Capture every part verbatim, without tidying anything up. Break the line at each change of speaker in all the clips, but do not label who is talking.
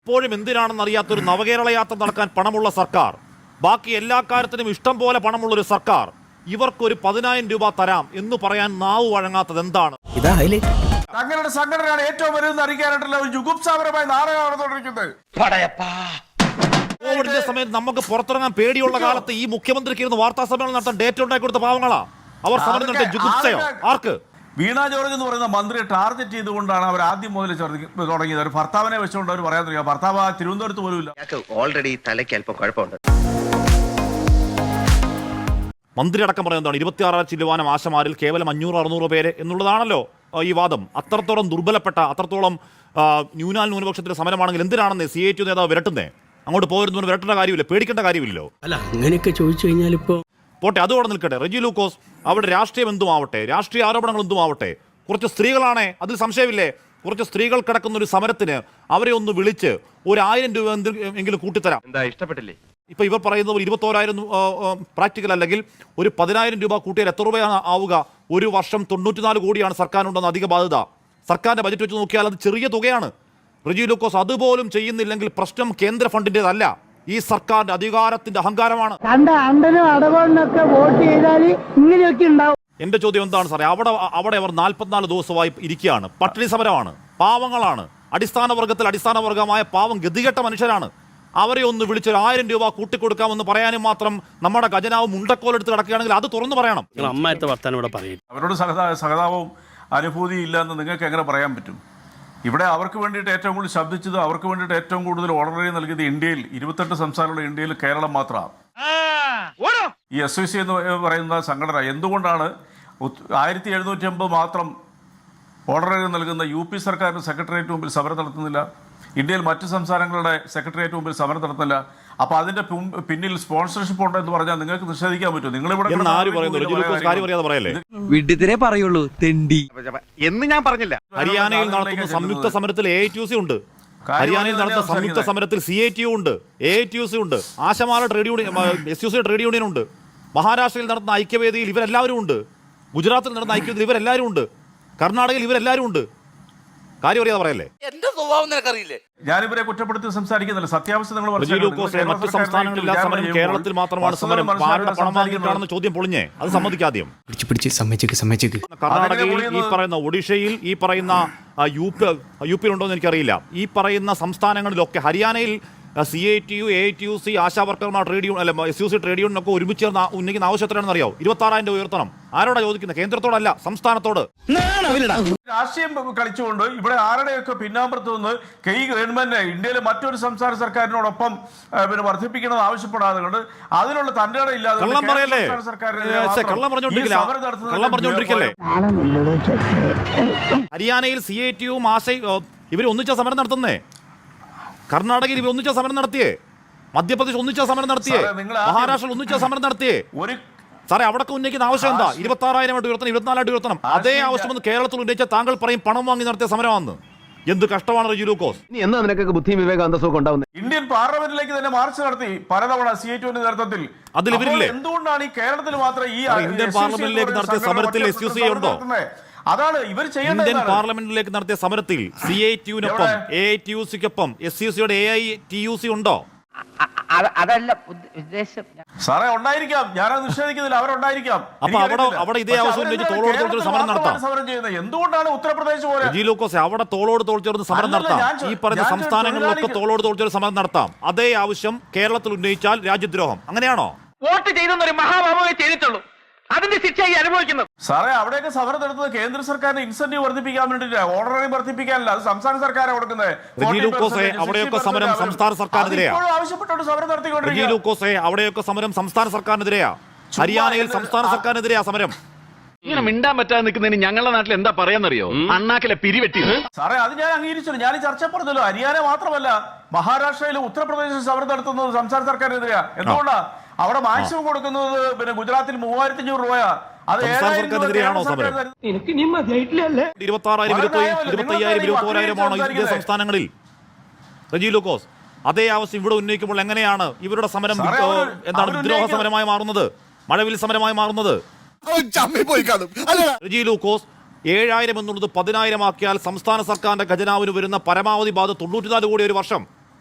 ഇപ്പോഴും എന്തിനാണെന്ന് അറിയാത്തൊരു നവകേരള യാത്ര നടക്കാൻ പണമുള്ള സർക്കാർ, ബാക്കി എല്ലാ കാര്യത്തിനും ഇഷ്ടം പോലെ പണമുള്ളൊരു സർക്കാർ, ഇവർക്കൊരു പതിനായിരം രൂപ തരാം എന്ന് പറയാൻ നാവ് വഴങ്ങാത്തത് എന്താണ്?
തങ്ങളുടെ സംഘടനയാണ് ഏറ്റവും വലുതെന്ന് അറിയിക്കാനായിട്ടുള്ള ഒരു ജുഗുപ്സാപരമായ നാടകം നടന്നുകൊണ്ടിരിക്കുന്നത്.
കോവിഡിന്റെ സമയത്ത് നമുക്ക് പുറത്തിറങ്ങാൻ പേടിയുള്ള കാലത്ത് ഈ മുഖ്യമന്ത്രിക്ക് ഇരുന്ന് വാർത്താ സമ്മേളനം നടത്താൻ ഡേറ്റ് ഉണ്ടാക്കി കൊടുത്ത പാവങ്ങളാ അവർ സമരം നടത്തിയ ജുഗുപ്സയോ? ആർക്ക്?
വീണ ജോർജ് എന്ന് പറയുന്ന മന്ത്രിയെ ടാർഗറ്റ് ചെയ്തുകൊണ്ടാണ് അവർ ആദ്യം മുതൽ തുടങ്ങിയത്. ഒരു ഭർത്താവിനെ വെച്ചുകൊണ്ട് അവർ പറയാൻ തുടങ്ങിയ ഭർത്താവ് തിരുവനന്തപുരത്ത് പോലും ഇല്ല.
ഓൾറെഡി തലയ്ക്ക് അല്പം കുഴപ്പമുണ്ട്.
മന്ത്രി അടക്കം പറയുന്നതാണ് ഇരുപത്തിയാറാം ചില്ലുവാനം ആശമാരിൽ കേവലം അഞ്ഞൂറ് അറുന്നൂറ് പേര് എന്നുള്ളതാണല്ലോ ഈ വാദം. അത്രത്തോളം ദുർബലപ്പെട്ട, അത്രത്തോളം ന്യൂനാൽ ന്യൂനപക്ഷത്തിന്റെ സമരമാണെങ്കിൽ എന്തിനാണെന്ന് സി ഐ ടി നേതാവ് വിരട്ടുന്നേ? അങ്ങോട്ട് പോയിരുന്നു വിരട്ടേണ്ട കാര്യമില്ല, പേടിക്കേണ്ട കാര്യമില്ലല്ലോ.
അല്ല, അങ്ങനെയൊക്കെ ചോദിച്ചു കഴിഞ്ഞാൽ ഇപ്പോ
പോട്ടെ, അതോടെ നിൽക്കട്ടെ. റെജി ലൂക്കോസ്, അവിടെ രാഷ്ട്രീയം എന്തുമാവട്ടെ, രാഷ്ട്രീയ ആരോപണങ്ങൾ എന്തുമാവട്ടെ, കുറച്ച് സ്ത്രീകളാണേ, അതിൽ സംശയമില്ലേ? കുറച്ച് സ്ത്രീകൾ കിടക്കുന്ന ഒരു സമരത്തിന് അവരെ ഒന്ന് വിളിച്ച് ഒരു ആയിരം രൂപ എങ്കിലും കൂട്ടിത്തരാം.
എന്താ ഇഷ്ടപ്പെട്ടില്ലേ?
ഇപ്പൊ ഇവർ പറയുന്നത് ഇരുപത്തോരായിരം പ്രാക്ടിക്കൽ അല്ലെങ്കിൽ ഒരു പതിനായിരം രൂപ കൂട്ടിയാൽ എത്ര രൂപയാണ് ആവുക? ഒരു വർഷം തൊണ്ണൂറ്റിനാല് കോടിയാണ് സർക്കാരിനുണ്ടെന്ന് അധിക ബാധ്യത. സർക്കാരിന്റെ ബജറ്റ് വെച്ച് നോക്കിയാൽ അത് ചെറിയ തുകയാണ്. റെജി ലൂക്കോസ്, അതുപോലും ചെയ്യുന്നില്ലെങ്കിൽ പ്രശ്നം കേന്ദ്ര ഫണ്ടിൻ്റെതല്ല, ഈ സർക്കാരിന്റെ അധികാരത്തിന്റെ അഹങ്കാരമാണ്. എന്റെ ചോദ്യം എന്താണ് സാറേ? അവിടെ അവിടെ അവർ നാൽപ്പത്തിനാല് ദിവസമായി ഇരിക്കുകയാണ്, പട്ടിണി സമരമാണ്, പാവങ്ങളാണ്, അടിസ്ഥാന വർഗത്തിൽ അടിസ്ഥാന വർഗമായ പാവം ഗതികെട്ട മനുഷ്യരാണ്. അവരെ ഒന്ന് വിളിച്ചൊരു ആയിരം രൂപ കൂട്ടിക്കൊടുക്കാമെന്ന് പറയാനും മാത്രം നമ്മുടെ ഖജനാവ് മുണ്ടക്കോലെടുത്ത് കിടക്കുകയാണെങ്കിൽ അത് തുറന്നു പറയണം.
അവരോട് സഹതാപവും അനുഭൂതിയും ഇല്ലെന്ന് നിങ്ങൾക്ക് എങ്ങനെ പറയാൻ പറ്റും? ഇവിടെ അവർക്ക് വേണ്ടിയിട്ട് ഏറ്റവും കൂടുതൽ ശബ്ദിച്ചത്, അവർക്ക് വേണ്ടിയിട്ട് ഏറ്റവും കൂടുതൽ ഓർഡറി നൽകിയത് ഇന്ത്യയിൽ ഇരുപത്തെട്ട് സംസ്ഥാനമുള്ള ഇന്ത്യയിൽ കേരളം മാത്രമാണ്. ഈ എസ് ഐ സി എന്ന് പറയുന്ന സംഘടന എന്തുകൊണ്ടാണ് ആയിരത്തി എഴുന്നൂറ്റി അമ്പത് മാത്രം ഓർഡറുകൾ നൽകുന്ന യു പി സർക്കാരിന് സെക്രട്ടേറിയറ്റ് മുമ്പിൽ സമരം നടത്തുന്നില്ല? ഇന്ത്യയിൽ മറ്റ് സംസ്ഥാനങ്ങളുടെ സെക്രട്ടേറിയറ്റ് മുമ്പിൽ സമരം നടത്തുന്നില്ല. അപ്പൊ അതിന്റെ പിന്നിൽ സ്പോൺസർഷിപ്പ് ഉണ്ടോ എന്ന് പറഞ്ഞാൽ നിങ്ങൾക്ക് നിഷേധിക്കാൻ പറ്റുമോ? നിങ്ങളിവിടെ
പറയുള്ളൂ തെണ്ടി എന്ന് ഞാൻ പറഞ്ഞില്ല.
ഹരിയാനയിൽ നടത്തുന്ന സംയുക്ത സമരത്തിൽ A I T U C ഉണ്ട്, ഹരിയാനയിൽ നടന്ന സംയുക്ത സമരത്തിൽ സി ഐ ടി യു ഉണ്ട്, A I T U C ഉണ്ട്, ആശമാല trade union, S U C trade union ഉണ്ട്, മഹാരാഷ്ട്രയിൽ നടന്ന ഐക്യവേദിയിൽ ഇവരെല്ലാവരും ഉണ്ട്, ഗുജറാത്തിൽ നടന്ന ഐക്യവേദിയിൽ ഇവരെല്ലാവരും ഉണ്ട്, കർണാടകയിൽ ഇവരെല്ലാവരും ഉണ്ട്. കാര്യം അറിയാതെ പറയല്ലേ?
എന്റെ സ്വഭാവം നിനക്കറിയില്ലേ?
ഞാനിവരെ കുറ്റപ്പെടുത്തി സംസാരിക്കുന്നില്ല, സത്യാവസ്ഥ നിങ്ങൾ
മറ്റ് സംസ്ഥാനങ്ങളില്ലാ സമരം കേരളത്തിൽ മാത്രമാണ് സമരം. ആരുടെ പണം വാങ്ങിയിട്ടാണെന്ന് ചോദ്യം പൊളിഞ്ഞേ, അത് സമ്മതിക്കാദ്യം. കർണാടകയിൽ ഈ പറയുന്ന, ഒഡീഷയിൽ ഈ പറയുന്ന, യു പി യു പിയിൽ ഉണ്ടോ എന്ന് എനിക്കറിയില്ല, ഈ പറയുന്ന സംസ്ഥാനങ്ങളിലൊക്കെ, ഹരിയാനയിൽ C I T U, A I T U C, Asha വർക്കർമാർ ട്രേഡ് യൂണിയൻ, അല്ല S U C trade union ഒക്കെ ഒരുമിച്ച് ഉന്നയിക്കുന്ന ആവശ്യം എത്രയാണെന്ന് അറിയാമോ? ഇരുപത്തി ആറായിരം രൂപ ഉയർത്തണം. ആരോടാ ചോദിക്കുന്നത്? കേന്ദ്രത്തോടല്ല, സംസ്ഥാനത്തോട്.
രാഷ്ട്രീയം കളിച്ചുകൊണ്ട് ഇവിടെ ആരുടെയൊക്കെ പിന്നാമ്പുറത്ത് നിന്ന് കൈ ഗവൺമെന്റ് ഇന്ത്യയിലെ മറ്റൊരു സംസ്ഥാന സർക്കാരിനോടൊപ്പം പിന്നെ വർദ്ധിപ്പിക്കണമെന്ന് ആവശ്യപ്പെടാതെ കൊണ്ട് അതിനുള്ള തന്റെ ഇല്ലാതെ
ഹരിയാനയിൽ സി ഐ ടി യും ആശയും ഇവർ ഒന്നിച്ച സമരം നടത്തുന്നേ, കർണാടകയിൽ ഇവർ ഒന്നിച്ച സമരം നടത്തിയേ, മധ്യപ്രദേശ് ഒന്നിച്ച സമരം നടത്തിയേ, മഹാരാഷ്ട്രയിൽ ഒന്നിച്ച സമരം നടത്തിയേ. സാറേ, അവിടെ ഉന്നയിക്കുന്ന ആവശ്യം എന്താ? ഇരുപത്തി ആറായിരം ആയിട്ട് ഉയർത്തണം, ഇരുപത്തിനാലായിട്ട് ഉയർത്തണം. അതേ ആവശ്യം കേരളത്തിൽ ഉന്നയിച്ച താങ്കൾ പറയും പണം വാങ്ങി നടത്തിയ സമരമാണെന്ന്. എന്ത് കഷ്ടമാണ് റെജി ലൂക്കോസ്.
ഇന്ത്യൻ പാർലമെന്റിലേക്ക് തന്നെ മാർച്ച് നടത്തി പലതവണ സി ഐ ടിയുടെ നേതൃത്വത്തിൽ.
അതിൽ ഇവരില്ലേ?
എന്തുകൊണ്ടാണ് ഈ കേരളത്തിൽ മാത്രം ഈ
ഇന്ത്യൻ പാർലമെന്റിലേക്ക് നടത്തിയ സമരത്തിൽ എസ് യു സി ഉണ്ടോ?
അതാണ് ഇവർ ചെയ്യുന്നത്.
ഇന്ത്യൻ പാർലമെന്റിലേക്ക് നടത്തിയ സമരത്തിൽ സി ഐ ടി യുനൊപ്പം എ ഐ ടി യു സിക്കൊപ്പം എസ് യു സിയുടെ A I T U C ഉണ്ടോ?
അതല്ല ഉദ്ദേശം
സാറേ. ഉണ്ടായിരിക്കാം, ഞാനത് നിഷേധിക്കുന്നില്ല, അവരുണ്ടായിരിക്കാം.
അപ്പൊ അവിടെ അവിടെ ഇതേ ആവശ്യം ഉന്നയിച്ച് തോളോട് തോൾ ചേർന്ന് സമരം നടത്താം.
എന്തുകൊണ്ടാണ് ഉത്തർപ്രദേശ് പോലെ
റെജി ലൂക്കോസ് അവിടെ തോളോട് തോൾ ചേർന്ന് സമരം നടത്താം? ഈ പറഞ്ഞ സംസ്ഥാനങ്ങളിലൊക്കെ തോളോട് തോൾ ചേർന്ന് സമരം നടത്താം. അതേ ആവശ്യം കേരളത്തിൽ ഉന്നയിച്ചാൽ രാജ്യദ്രോഹം, അങ്ങനെയാണോ?
വോട്ട് ചെയ്തെന്നൊരു മഹാഭാവമേ ചെയ്തിട്ടുള്ളൂ, അതിന്റെ ശിക്ഷയായി അനുഭവിക്കുന്നത്.
സാറേ, അവിടെയൊക്കെ സമരം നടത്തുന്നത് കേന്ദ്ര സർക്കാരിന് ഇൻസെന്റീവ് വർദ്ധിപ്പിക്കാൻ വേണ്ടിയില്ല, ഓർഡറി വർദ്ധിപ്പിക്കാനല്ല. അത് സംസ്ഥാന സർക്കാരാണ് കൊടുക്കുന്നത്.
അവിടെയൊക്കെ സമരം സംസ്ഥാന സർക്കാരിനെതിരെയാ.
ആവശ്യപ്പെട്ടുകൊണ്ട് സമരം നടത്തിക്കൊണ്ടിരിക്കുക.
അവിടെയൊക്കെ സമരം സംസ്ഥാന സർക്കാരിനെതിരെയാ, ഹരിയാനയിൽ സംസ്ഥാന സർക്കാരിനെതിരെയാ സമരം.
ഇങ്ങനെ മിണ്ടാൻ പറ്റാതെ നിൽക്കുന്നതിന് ഞങ്ങളുടെ നാട്ടിൽ എന്താ പറയാന്നറിയോ? അണ്ണാക്കിലെ പിരിവെട്ടി.
സാറേ, അത് ഞാൻ അംഗീകരിച്ചു. ഞാൻ ഈ ചർച്ച പറഞ്ഞല്ലോ, ഹരിയാന മാത്രമല്ല മഹാരാഷ്ട്രയിലും ഉത്തർപ്രദേശിൽ സമരം നടത്തുന്നത് സംസ്ഥാന സർക്കാരിനെതിരെയാ. എന്തുകൊണ്ടാ? അവിടെ മാക്സിമം കൊടുക്കുന്നത് പിന്നെ ഗുജറാത്തിൽ മൂവായിരത്തി അഞ്ഞൂറ് രൂപയാ. അത്
സർക്കാരിനെതിരെയാണോ സമരം? ഇരുപത്തി ആറായിരം ഇരുപത്തി അയ്യായിരം ഇരുപത്തി ഓരായിരമാണോ ഇന്ത്യ സംസ്ഥാനങ്ങളിൽ? റെജി ലൂക്കോസ്, അതേ ആവശ്യം ഇവിടെ ഉന്നയിക്കുമ്പോൾ എങ്ങനെയാണ് ഇവരുടെ സമരം എന്താണ് വിദ്രോഹ സമരമായി മാറുന്നത്, മഴവിൽ സമരമായി മാറുന്നത്? റെജി ലൂക്കോസ്, ഏഴായിരം എന്നുള്ളത് പതിനായിരം ആക്കിയാൽ സംസ്ഥാന സർക്കാരിന്റെ ഖജനാവിന് വരുന്ന പരമാവധി ബാധ തൊണ്ണൂറ്റിനാല് കോടി ഒരു വർഷം.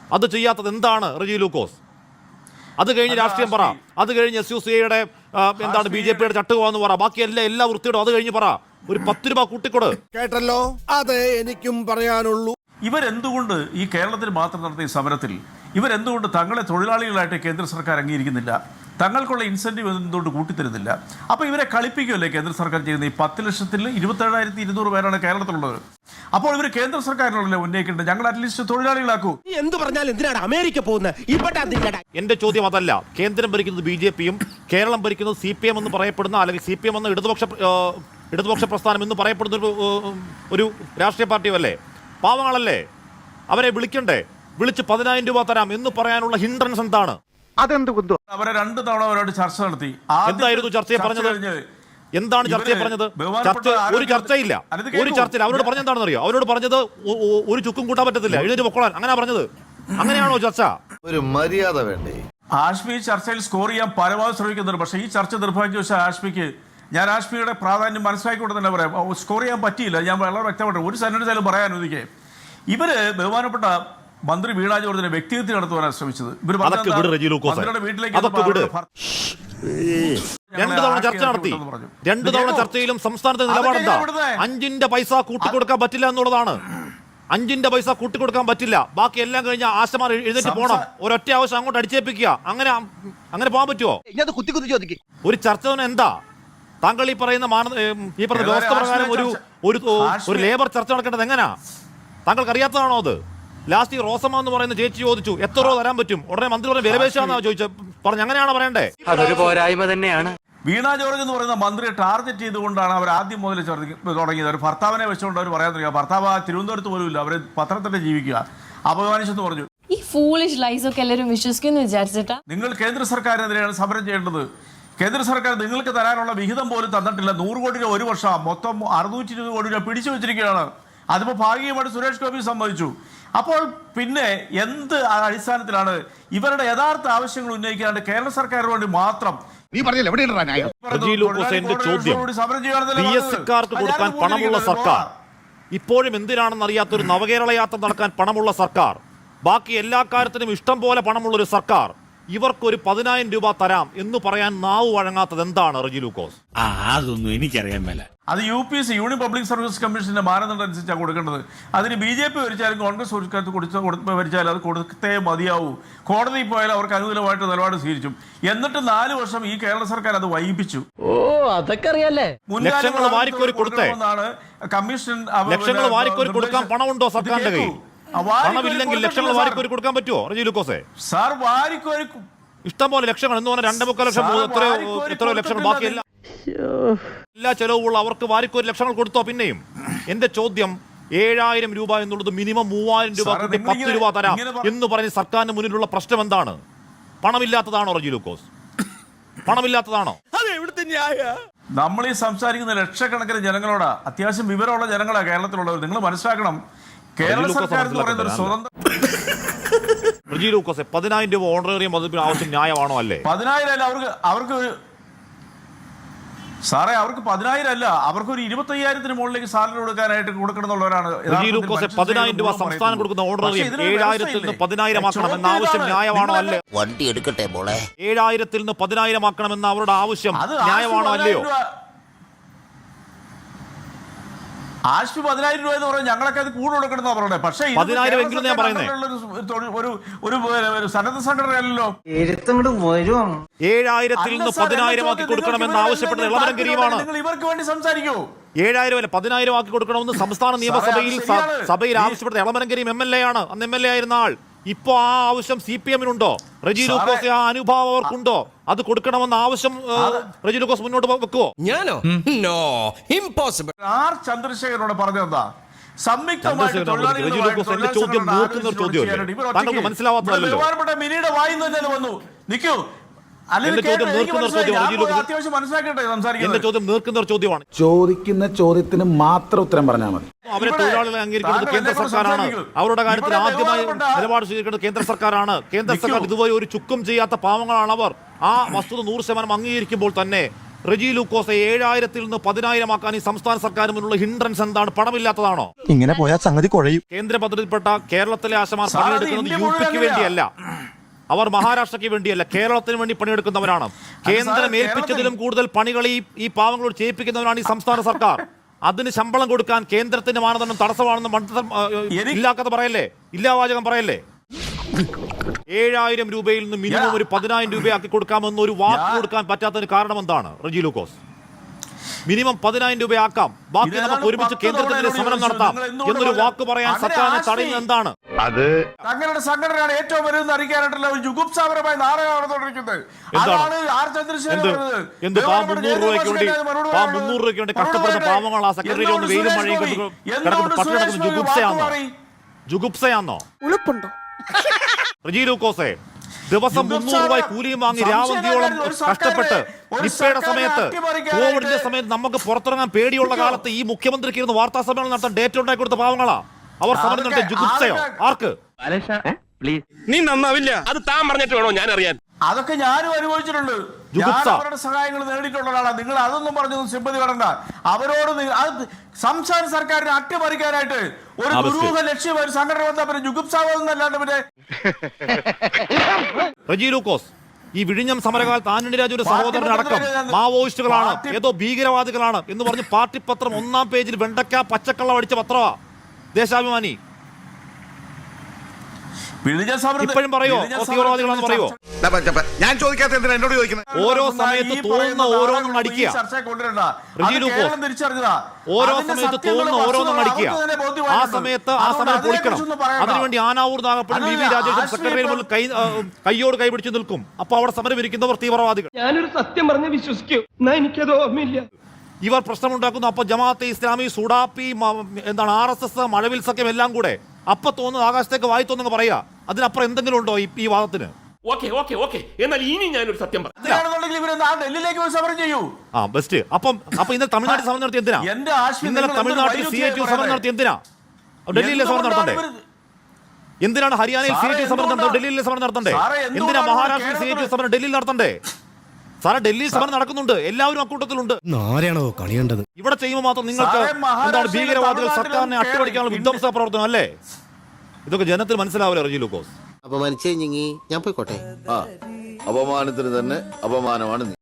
അത് ചെയ്യാത്തത് എന്താണ് റജി ലൂക്കോസ്? അത് കഴിഞ്ഞ് രാഷ്ട്രീയം പറ, അത് കഴിഞ്ഞ് എസ് യു സി ഐയുടെ എന്താണ് ബി ജെ പിയുടെ ചട്ടുകയെന്ന് പറ, ബാക്കി എല്ലാ എല്ലാ വൃത്തിയോടും അത് കഴിഞ്ഞ് പറ. ഒരു പത്ത് രൂപ കൂട്ടിക്കൊട്.
കേട്ടല്ലോ, അതെ എനിക്കും പറയാനുള്ളൂ.
ഇവരെന്തുകൊണ്ട് ഈ കേരളത്തിൽ മാത്രം നടത്തിയ സമരത്തിൽ ഇവരെന്തുകൊണ്ട് തങ്ങളെ തൊഴിലാളികളായിട്ട് കേന്ദ്ര സർക്കാർ അംഗീകരിക്കുന്നില്ല? തങ്ങൾക്കുള്ള ഇൻസെൻറ്റീവ് എന്തുകൊണ്ട് കൂട്ടിത്തരുന്നില്ല? അപ്പോൾ ഇവരെ കളിപ്പിക്കുമല്ലേ കേന്ദ്ര സർക്കാർ ചെയ്യുന്നത്? ഈ പത്ത് ലക്ഷത്തിൽ ഇരുപത്തേഴായിരത്തി ഇരുന്നൂറ് പേരാണ് കേരളത്തിലുള്ളത്. അപ്പോൾ ഇവർ കേന്ദ്ര സർക്കാരിനല്ലേ ഉന്നയിക്കേണ്ടത്? ഞങ്ങൾ അറ്റ്ലീസ്റ്റ് തൊഴിലാളികളാക്കൂ.
എന്ത് പറഞ്ഞാലും എന്തിനാണ് അമേരിക്ക പോകുന്നത്?
എന്റെ ചോദ്യം അതല്ല. കേന്ദ്രം ഭരിക്കുന്നത് ബി ജെ പിയും കേരളം ഭരിക്കുന്നത് സി പി എം എന്ന് പറയപ്പെടുന്ന, അല്ലെങ്കിൽ സി പി എം എന്ന ഇടതുപക്ഷ ഇടതുപക്ഷ പ്രസ്ഥാനം എന്ന് പറയപ്പെടുന്ന ഒരു ഒരു രാഷ്ട്രീയ പാർട്ടിയും അല്ലേ? പാവങ്ങളല്ലേ? അവരെ വിളിക്കണ്ടേ? വിളിച്ച് പതിനായിരം രൂപ തരാം എന്ന് പറയാനുള്ള ഹിൻഡ്രൻസ് എന്താണ്?
അവരെ രണ്ട് തവണ അവരോട് ചർച്ച നടത്തി.
എന്തായിരുന്നു ചർച്ചയെ പറഞ്ഞത്? എന്താണ് ചർച്ചയെ പറഞ്ഞത്? ചർച്ച ഒരു ചർച്ചയില്ല, ഒരു ചർച്ചയില്ല. അവരോട് പറഞ്ഞ എന്താണെന്ന് അറിയോ? അവരോട് പറഞ്ഞത് ഒരു ചുക്കും കൂട്ടാൻ പറ്റത്തില്ല, എഴുന്നേറ്റ് പൊക്കോളാൻ. അങ്ങനെ പറഞ്ഞത്? അങ്ങനെയാണോ ചർച്ച?
ഒരു മര്യാദ വേണ്ടേ?
ആഷ്മി ചർച്ചയിൽ സ്കോർ ചെയ്യാൻ പരമാവധി ശ്രമിക്കുന്നുണ്ട്. പക്ഷേ ഈ ചർച്ച നിർഭാഗ്യവശാൽ ആഷ്മിക്ക്, ഞാൻ ആഷ്മിയുടെ പ്രാധാന്യം മനസ്സിലാക്കിക്കൊണ്ട് തന്നെ പറയാം, സ്കോർ ചെയ്യാൻ പറ്റിയില്ല. ഞാൻ വളരെ വ്യക്തമായിട്ട് ഒരു സെന്റൻസ് ആയാലും പറയാൻ അനുവദിക്കേ. ഇവര് ബഹുമാനപ്പെട്ട മന്ത്രി വീണ ജോർജിനെ വ്യക്തിഹത്യ നടത്തുവാനാണ് ശ്രമിച്ചത്.
രണ്ടു തവണ ചർച്ച നടത്തി. രണ്ടു തവണ ചർച്ചയിലും സംസ്ഥാനത്തെ നിലപാടെന്താ? അഞ്ചിന്റെ പൈസ കൂട്ടിക്കൊടുക്കാൻ പറ്റില്ല എന്നുള്ളതാണ്. അഞ്ചിന്റെ പൈസ കൂട്ടിക്കൊടുക്കാൻ പറ്റില്ല. ബാക്കി എല്ലാം കഴിഞ്ഞ ആശമാർ എഴുന്നേറ്റ് പോകണം. ഒരൊറ്റ ആവശ്യം അങ്ങോട്ട് അടിച്ചേൽപ്പിക്കുക. അങ്ങനെ അങ്ങനെ പോകാൻ പറ്റുമോ? ഒരു ചർച്ച തന്നെ എന്താ? താങ്കൾ ഈ പറയുന്ന മാന ഈ പറഞ്ഞ വ്യവസ്ഥ പ്രകാരം ഒരു ഒരു ലേബർ ചർച്ച നടക്കേണ്ടത് എങ്ങനെയാ? താങ്കൾക്ക് അറിയാത്തതാണോ അത്? ലാസ്റ്റ് ഈ റോസമ്മ എന്ന് പറയുന്ന ചേച്ചി ചോദിച്ചു എത്ര രൂപ തരാൻ പറ്റും? ഉടനെ മന്ത്രി പറഞ്ഞ വിലപേശാന്നാ ചോദിച്ചത്. പറഞ്ഞു അങ്ങനെയാണോ പറയണ്ടേ?
അതൊരു പോരായ്മ തന്നെയാണ്.
വീണ ജോർജ് എന്ന് പറയുന്ന മന്ത്രിയെ ടാർഗറ്റ് ചെയ്തുകൊണ്ടാണ് അവർ ആദ്യം മുതൽ തുടങ്ങിയത്. ഒരു ഭർത്താവിനെ വെച്ചുകൊണ്ട് അവർ പറയാൻ തുടങ്ങിയ ഭർത്താവ് തിരുവനന്തപുരത്ത് പോലും ഇല്ല, അവർ പത്രത്തിന്റെ ജീവിക്കുക. അപമാനിച്ചെന്ന് പറഞ്ഞു.
ഈ ഫൂളിഷ് ലൈസ് ഒക്കെ എല്ലാവരും വിശ്വസിക്കുന്നു വിചാരിച്ചിട്ടാ?
നിങ്ങൾ കേന്ദ്ര സർക്കാരിനെതിരെയാണ് സമരം ചെയ്യേണ്ടത്. കേന്ദ്ര സർക്കാർ നിങ്ങൾക്ക് തരാനുള്ള വിഹിതം പോലും തന്നിട്ടില്ല. നൂറ് കോടി രൂപ ഒരു വർഷം, മൊത്തം അറുന്നൂറ്റി ഇരുപത് കോടി രൂപ പിടിച്ചു വെച്ചിരിക്കുകയാണ്. അതിപ്പോൾ ഭാഗികമായിട്ട് സുരേഷ് ഗോപി സമ്മതിച്ചു. അപ്പോൾ പിന്നെ എന്ത് അടിസ്ഥാനത്തിലാണ് ഇവരുടെ യഥാർത്ഥ ആവശ്യങ്ങൾ ഉന്നയിക്കാണ്ട് കേരള സർക്കാരിന് വേണ്ടി മാത്രം
പി എസ് സിക്കാർക്ക് കൊടുക്കാൻ പണമുള്ള സർക്കാർ, ഇപ്പോഴും എന്തിനാണെന്ന് അറിയാത്തൊരു നവകേരള യാത്ര നടക്കാൻ പണമുള്ള സർക്കാർ, ബാക്കി എല്ലാ കാര്യത്തിനും ഇഷ്ടം പോലെ പണമുള്ളൊരു സർക്കാർ, ഇവർക്കൊരു പതിനായിരം രൂപ തരാം എന്ന് പറയാൻ നാവ് വഴങ്ങാത്തത് എന്താണ് റജി ലൂക്കോസ്?
അതൊന്നും എനിക്കറിയാൻ മേല.
അത് U P S union public service കമ്മീഷന്റെ മാനദണ്ഡം അനുസരിച്ചാണ് കൊടുക്കേണ്ടത്. അതിന് ബി ജെ പി ഭരിച്ചാലും കോൺഗ്രസ് ഭരിച്ചാലും അത് കൊടുത്തേ മതിയാവൂ. കോടതിയിൽ പോയാൽ അവർക്ക് അനുകൂലമായിട്ട് നിലപാട് സ്വീകരിച്ചു. എന്നിട്ട് നാല് വർഷം ഈ കേരള സർക്കാർ അത് വൈകിപ്പിച്ചു.
ഓ അതൊക്കെ അറിയാലേ.
ലക്ഷങ്ങൾ വാരിക്കോരി കൊടുത്തേ.
കമ്മീഷൻ
ലക്ഷങ്ങൾ വാരിക്കോരി കൊടുക്കാൻ പണമുണ്ടോ സർക്കാരിന്റെ കയ്യിൽ? പണമില്ലെങ്കിൽ ലക്ഷങ്ങൾ വാരിക്കോരി കൊടുക്കാൻ പറ്റുമോ റജി ലൂക്കോസെ?
സാർ വാരിക്കോരി
ഇഷ്ടം പോലെ ലക്ഷങ്ങൾ എന്ന് പറഞ്ഞാൽ രണ്ടേ മുക്കാൽ ലക്ഷം എത്രയോ എത്രയോ ലക്ഷങ്ങൾ ബാക്കിയല്ല എല്ലാ ചെലവുള്ള അവർക്ക് വാരിക്കോരി ലക്ഷങ്ങൾ കൊടുത്തോ? പിന്നെയും എന്റെ ചോദ്യം, ഏഴായിരം രൂപ എന്നുള്ളത് മിനിമം മൂവായിരം രൂപ കൂട്ടി പത്ത് രൂപ തരാം എന്ന് പറഞ്ഞ് സർക്കാരിന് മുന്നിലുള്ള പ്രശ്നം എന്താണ്? പണമില്ലാത്തതാണോ റജി ലൂക്കോസ്? പണമില്ലാത്തതാണോ?
നമ്മൾ ഈ സംസാരിക്കുന്ന ലക്ഷക്കണക്കിന് ജനങ്ങളോടാ, അത്യാവശ്യം വിവരമുള്ള ജനങ്ങളാണ് കേരളത്തിലുള്ളവർ. നിങ്ങൾ മനസ്സിലാക്കണം, കേരള സർക്കാർ എന്ന് പറയുന്ന ഒരു സ്വതന്ത്ര
റജി ലൂക്കോസെ, പതിനായിരം രൂപ ഓണറേറിയം വകുപ്പിന് ആവശ്യം ന്യായമാണോ? അല്ലേ?
പതിനായിരം അല്ല അവർക്ക് അവർക്ക് സാറേ അവർക്ക് പതിനായിരം അല്ല, അവർക്ക് ഒരു ഇരുപത്തി അയ്യായിരത്തിന് മുകളിലേക്ക് സാലറി കൊടുക്കാനായിട്ട് കൊടുക്കണമെന്നുള്ളവരാണ്.
പതിനായിരം രൂപ സംസ്ഥാനം കൊടുക്കുന്ന ഓണറേറിയം ഏഴായിരത്തിൽ നിന്ന് പതിനായിരം ആക്കണം എന്ന ആവശ്യം ന്യായമാണോ? അല്ലേ?
വണ്ടി എടുക്കട്ടെ മോളെ.
ഏഴായിരത്തിൽ നിന്ന് പതിനായിരം ആക്കണം എന്ന അവരുടെ ആവശ്യം ന്യായമാണോ? അല്ലയോ?
ആശുപത്രി പതിനായിരം രൂപ എന്ന് പറഞ്ഞാൽ ഞങ്ങളൊക്കെ അത് കൂടുതൽ കൊടുക്കണമെന്നാ പറയുന്നത്. പക്ഷേ
പതിനായിരം എങ്കിലും ഞാൻ പറയുന്നത്
ഒരു സന്നദ്ധ സംഘടനയല്ലോ.
ഏഴായിരത്തിൽ നിന്ന് പതിനായിരം ആക്കി കൊടുക്കണമെന്ന് ആവശ്യപ്പെട്ടത് ഇളമരം കരീമാണ്.
ഇവർക്ക് വേണ്ടി സംസാരിക്കൂ.
ഏഴായിരം അല്ല പതിനായിരം ആക്കി കൊടുക്കണമെന്ന് സംസ്ഥാന നിയമസഭയിൽ സഭയിൽ ആവശ്യപ്പെട്ട Elamaram Kareem M L A ആണ്. അന്ന് എം എൽ എ ആയിരുന്ന ആൾ. ഇപ്പൊ ആ ആവശ്യം സി പി എമ്മിനുണ്ടോ? റജി ലൂക്കോസ് ആ അനുഭാവം അവർക്കുണ്ടോ? അത് കൊടുക്കണമെന്ന ആവശ്യം റജി ലൂക്കോസ് മുന്നോട്ട് വെക്കുവോ?
ഞാനോ? No, impossible.
ആർ ചന്ദ്രശേഖരനോട് പറഞ്ഞെന്താ?
താങ്കൾക്ക് മനസ്സിലാവാത്തതല്ലോ.
മിനിയുടെ വായിൽ തന്നെ വന്നു നിൽക്കൂ.
എന്റെ ചോദ്യം നീർക്കുന്ന ചോദ്യമാണ്.
ചോദിക്കുന്ന ചോദ്യത്തിന് മാത്രം ഉത്തരം പറഞ്ഞാൽ മതി.
അവരെ തൊഴിലാളികളെ അംഗീകരിക്കുന്നത് കേന്ദ്ര സർക്കാരാണ്. അവരുടെ കാര്യത്തിൽ ആദ്യമായി നിലപാട് സ്വീകരിക്കുന്നത് കേന്ദ്ര സർക്കാരാണ്. കേന്ദ്ര സർക്കാർ ഇതുവരെ ഒരു ചുക്കും ചെയ്യാത്ത പാവങ്ങളാണ് അവർ. ആ വസ്തുത നൂറ് ശതമാനം അംഗീകരിക്കുമ്പോൾ തന്നെ റെജി ലൂക്കോസ് ഏഴായിരത്തിൽ നിന്ന് പതിനായിരം ആക്കാൻ ഈ സംസ്ഥാന സർക്കാർ മുന്നിലുള്ള ഹിൻഡ്രൻസ് എന്താണ്? പണമില്ലാത്തതാണോ?
ഇങ്ങനെ പോയാൽ സംഗതി കുഴയും.
കേന്ദ്ര പദ്ധതിയിൽപ്പെട്ട കേരളത്തിലെ ആശമാർ
സാർ, അത്
പണിയെടുക്കുന്നത്
ഇന്ത്യ
യു പിക്ക്
മുഴുവൻ
വേണ്ടിയല്ല, അവർ മഹാരാഷ്ട്രയ്ക്ക് വേണ്ടിയല്ല, കേരളത്തിന് വേണ്ടി പണിയെടുക്കുന്നവരാണ്. കേന്ദ്രം ഏൽപ്പിച്ചതിലും കൂടുതൽ പണികൾ ഈ ഈ പാവങ്ങളോട് ചെയ്യിപ്പിക്കുന്നവരാണ് ഈ സംസ്ഥാന സർക്കാർ. അതിന് ശമ്പളം കൊടുക്കാൻ കേന്ദ്രത്തിന്റെ മാനദണ്ഡം തടസ്സമാണെന്ന് മണ്ഡലം ഇല്ലാക്കഥ പറയല്ലേ, ഇല്ലാവാചകം പറയല്ലേ. ഏഴായിരം രൂപയിൽ നിന്ന് മിനിമം ഒരു പതിനായിരം രൂപയാക്കി കൊടുക്കാമെന്ന് ഒരു വാക്ക് കൊടുക്കാൻ പറ്റാത്തതിന് കാരണം എന്താണ് റെജി ലൂക്കോസ്? മിനിമം പതിനായിരം രൂപയാക്കാം, ബാക്കി നമുക്ക് ഒരുമിച്ച് കേന്ദ്രത്തിനെതിരെ സമരം നടത്താം എന്നൊരു വാക്ക് പറയാൻ സർക്കാരിനെ തടയുന്നത് എന്താണ്?
അത്
തങ്ങളുടെ സംഘടനയാണ് ഏറ്റവും വലുതെന്ന് അറിയിക്കാനായിട്ടുള്ള ഒരു ജുഗുപ്സാപരമായ നാടകം നടന്നുകൊണ്ടിരിക്കുന്നത്. അതാണ് ആർ ചന്ദ്രശേഖരൻ
എന്ത്
പറഞ്ഞത്.
എന്ത് പാ മുന്നൂറ് രൂപയ്ക്ക് വേണ്ടി പാ മുന്നൂറ് രൂപയ്ക്ക് വേണ്ടി കഷ്ടപ്പെടുന്ന പാവങ്ങൾ ആ സെക്രട്ടറിയിൽ ഒന്ന് വെയിലും മഴയും കിടക്കുന്ന പട്ടി കിടക്കുന്ന ജുഗുപ്സയാന്നോ? ജുഗുപ്സയാന്നോ? റെജി ലൂക്കോസേ, ദിവസം മുന്നൂറ് രൂപ കൂലിയും വാങ്ങി രാവന്തിയോളം കഷ്ടപ്പെട്ട് നിപ്പയുടെ സമയത്ത്, കോവിഡിന്റെ സമയത്ത് നമുക്ക് പുറത്തിറങ്ങാൻ പേടിയുള്ള കാലത്ത് ഈ മുഖ്യമന്ത്രിക്ക് ഇരുന്ന് വാർത്താ സമ്മേളനം നടത്താൻ ഡേറ്റ് ഉണ്ടാക്കി കൊടുത്ത പാവങ്ങളാ അവർ സമരം നടത്തിയ ജുഗുപ്സയോ? ആർക്ക്?
പ്ലീസ്,
നീ നന്നാവില്ല. അത് താൻ പറഞ്ഞിട്ട് വേണോ ഞാൻ അറിയാൻ?
അതൊക്കെ ഞാനും അനുഭവിച്ചിട്ടുണ്ട്. ഞാൻ അവരുടെ സഹായങ്ങൾ നേടിയിട്ടുള്ള ഒരാളാണ്. നിങ്ങൾ അതൊന്നും പറഞ്ഞൊന്നും സിമ്പതി കടണ്ട. അവരോട് നി- അത് സംസ്ഥാന സർക്കാരിനെ അട്ടിമറിക്കാനായിട്ട് ഒരു ദുരൂഹ ലക്ഷ്യം ഒരു സംഘടന വന്നാൽ പിന്നെ ജുഗുപ്സാവെന്നല്ലാണ്ട് പിന്നെ
റെജി ലൂക്കോസ്, ഈ വിഴിഞ്ഞം സമരകാലത്ത് ആന്റണി രാജുവിന്റെ സഹോദരനടക്കം മാവോയിസ്റ്റുകളാണ്, ഏതോ ഭീകരവാദികളാണ് എന്ന് പറഞ്ഞ് പാർട്ടി പത്രം ഒന്നാം പേജിൽ വെണ്ടക്ക പച്ചക്കള്ളം അടിച്ച പത്രമാ ദേശാഭിമാനി. ഇപ്പോഴും പറയോ തീവ്രവാദികളാണെന്ന് പറയോ?
ഞാൻ ചോദിക്കാത്ത എന്തിനാ എന്നോട് ചോദിക്കുന്നത്?
ഓരോ സമയത്ത് തോന്നുന്ന ഓരോന്നും അടിക്കുക. റെജി ലൂക്കോസ്, ഓരോ സമയത്ത് തോന്നുന്ന ഓരോന്നും അടിക്കുക. ആ സമയത്ത് ആ സമയം പൊളിക്കണം. അതിനുവേണ്ടി ആനാവൂർ നാഗപ്പനും വി വി രാജേഷും സെക്രട്ടറിയിൽ മുന്നിൽ കൈ കൈയോട് കൈപിടിച്ച് നിൽക്കും. അപ്പൊ അവിടെ സമരം ഇരിക്കുന്നവർ തീവ്രവാദികൾ.
ഞാനൊരു സത്യം പറഞ്ഞ് വിശ്വസിക്കൂ, എന്നാ എനിക്കത് ഓർമ്മയില്ല.
ഇവർ പ്രശ്നമുണ്ടാക്കുന്നു. അപ്പൊ ജമാഅത്തെ ഇസ്ലാമി, സുഡാപ്പി, എന്താണ് ആർ എസ് എസ്, മഴവിൽ സഖ്യം എല്ലാം കൂടെ അപ്പൊ തോന്നുന്നു ആകാശത്തേക്ക് വായി തോന്നുന്നു പറയാ. അതിനപ്പുറം എന്തെങ്കിലും ഉണ്ടോ ഈ വാദത്തിന്?
ഓക്കെ ഓക്കെ ഓക്കെ എന്നാൽ ഇനി ഞാനൊരു സത്യം പറയാം.
ഡൽഹിയിലേക്ക് പോയി സമരം ചെയ്യൂ.
ആ ബെസ്റ്റ്. അപ്പം അപ്പൊ ഇന്നലെ തമിഴ്നാട്ടിൽ സമരം നടത്തി എന്തിനാ? ഇന്നലെ തമിഴ്നാട്ടിൽ സി ഐ ടി സമരം നടത്തി എന്തിനാ? ഡൽഹിയിലെ സമരം നടത്തണ്ടേ? എന്തിനാണ് ഹരിയാനയിൽ സി ഐ ടി സമരം നടത്തണ്ടേ? ഡൽഹിയിലെ സമരം നടത്തണ്ടേ? എന്തിനാ മഹാരാഷ്ട്രയിൽ സി ഐ ടി സമരം ഡൽഹിയിൽ നടത്തണ്ടേ? സാറേ, ഡൽഹിയിൽ സമരം നടക്കുന്നുണ്ട്, എല്ലാവരും അക്കൂട്ടത്തിലുണ്ട്.
ആരെയാണോ കളിയേണ്ടത്?
ഇവിടെ ചെയ്യുമ്പോൾ മാത്രം നിങ്ങൾക്ക് എന്താണ് ഭീകരവാദികൾ സർക്കാരിനെ അട്ടിമറിക്കാനുള്ള വിധ്വംസ പ്രവർത്തനം അല്ലേ? ഇതൊക്കെ ജനത്തിന് മനസ്സിലാവില്ല റെജി ലൂക്കോസ്.
അപമാനിച്ചേ ഞങ്ങി ഞാൻ പോയിക്കോട്ടെ. ആ അപമാനത്തിന് തന്നെ അപമാനമാണ്.